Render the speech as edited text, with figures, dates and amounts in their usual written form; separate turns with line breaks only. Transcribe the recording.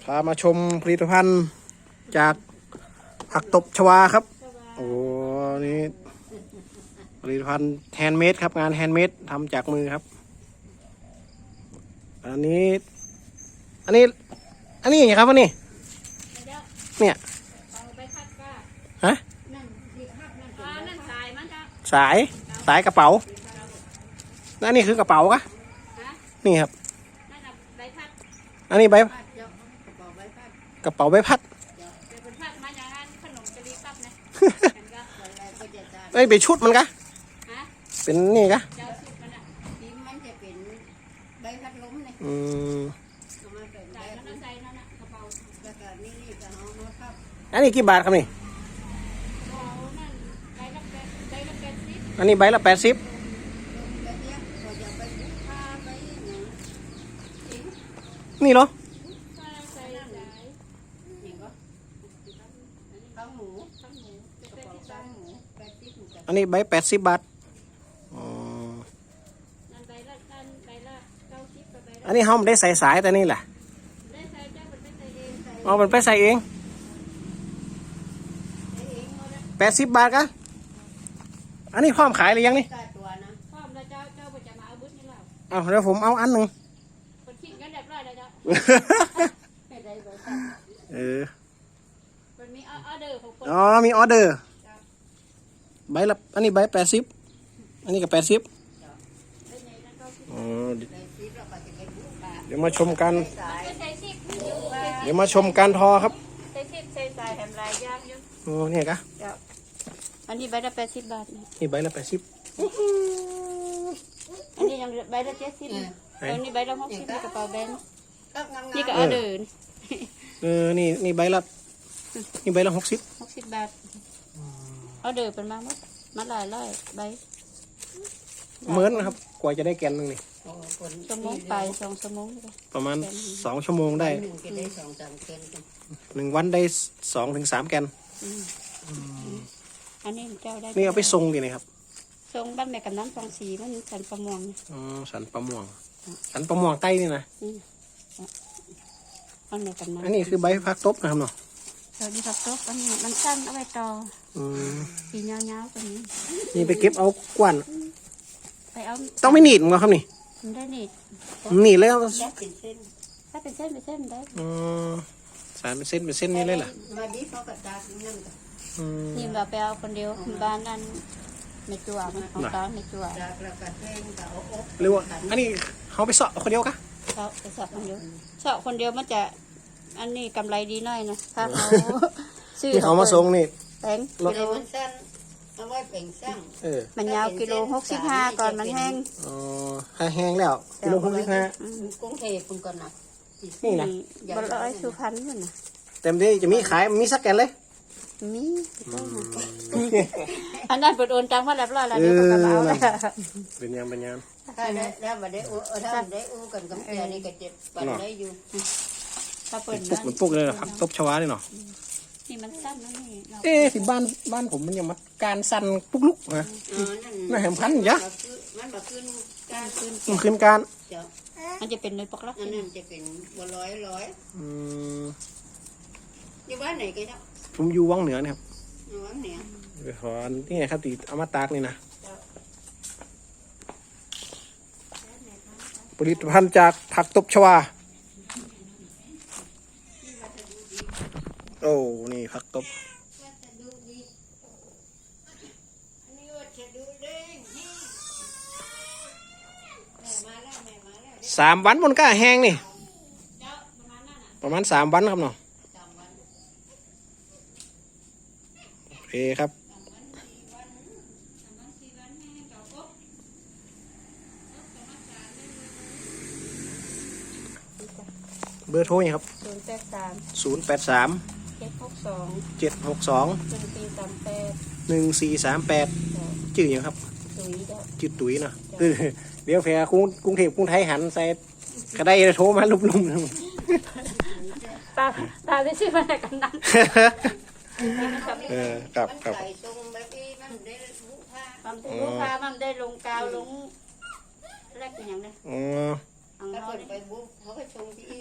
พามาชมผลิตภัณฑ์จากผักตบชวาครับโอ้นี่ผลิตภัณฑ์แฮนด์เมดครับงานแฮนด์เมดทำจากมือครับอันนี้อย่างไรครับวันนี้เนี่ยฮะสายกระเป๋านั่นนี่คือกระเป๋ากะนี่ครับอันนี้กระเป๋าใบพัดเอ้ยเป็นชุดมันกะเป็นนี่กะอันนี้กี่บาทครับนี่อันนี้ใบละ80นี่เหรออันนี้ใบ80 บาทอันนี้เขาไม่ได้ใส่สายแต่นี่แหละเอามันไปใส่เอง80 บาทกะอันนี้พร้อมขายหรือยังนี่เอาเดี๋ยวผมเอาอันหนึ่งอ๋อมีออเดอร์ใบละอันนี้ใบ80อันนี้ก็80เดี๋ยวมาชมกันทอครับโอ้เนี่ยกะ
อันนี้ใบละ80 บาท
นี่ใบละ80
อันนี้ยังใบละ70อันนี้ใบละ60นี่กระเป๋าแบนนี่ก็ออเดอร์
นี่ใบละ60
บาทออเดอร์เป็นมาหลายใบ
เหมือนนะครับกว่าจะได้แกนนึงนี่
ชั่วโมงไป2 ชั่วโมง
ประมาณ2 ชั่วโมงได้1 วันได้2 ถึง 3 แกน
อันนี้เจ้าได้
นี่เอาไปทรงดีนะครับ
ทรงบ้านแม่กำนัน24มันสันประมวง
สันประมวงใต้นี่นะอันนี้คือใบพักตบนะครับเนาะ
ใบพักตบอันนี้มันสั้นเอาไว้ต่อสียาวๆตัวนี้
นี่ไปเก็บเอากวน
ไปเอา
ต้องไม่หนีบมั้งครับนี่
ได้หนีบ
แล้ว
ถ้าเป็นเส้นได้
สารเป็นเส้นนี่เลยเหรอ
นี่แบบไปเอาคนเดียวบ้านนั้นในจั่วมันของตาในจั่ว
หรือว่าอันนี้เขาไปสอบคนเดียวกะ
เขาไปสอบคนเดียวมันจะอันนี้กำไรดีหน่อยนะถ้าเขา
ซื้อเขามาส่งนี่
แพงกิโลมันยาวกิโล65ก่อนมันแห้ง
แห้งแล้วกิโล65
กรุงเทพก่อนนะ
นี่นะ
100 สุพรรณนู่นนะ
เต็มที่จะมีขายมีสักแกนเลย
มีอันนั้นเปิดโอนตังมาแล้วแล้วเดี๋ยวก็มาเอา
เป็นยัง
แล้วมาได้อู้กันกับแกนี่ก็เจ็บปันได้อยู่ถ้าเปิด
มันปุกเลยผักตบชวาเลยเนาะ
นี่มันสั้นนะนี่
ที่บ้านผมมันยังมาการสั้นปุกลุกนะน่าแหมพันยะ
มัน
ขึ้นการ
มันจะเป็นเนยปกลัก
อันนั้นจะเป็นบัวร้อยอยู่บ้านไหนกันเนาะ
ผมอยู่วังเหนือนะครับ
วังเหนือ
ไปขอนี่ไงครับตีเอามาตากนี่นะผลิตภัณฑ์จากผักตบชวาโอ้นี่ผักตบ3 วันมันก็แห้งนี่ประมาณ3 วันครับเนาะโอเคครับเบอร์โทรยังครับ083 762 1438ชื่อยังครับชื่อตุ๋ยเนาะเดี๋ยวแฟร์กรุงเทพกรุงไทยหันใส่ก็ได้โทรมาลุม
ตาได้ชื่อมาจากกันนั้น
กับ
ลูกค้ามันได้ลงกาวลงแรกเป็นอย่างไร
ถ้าคนไปบุ๊กเขาไปชงที่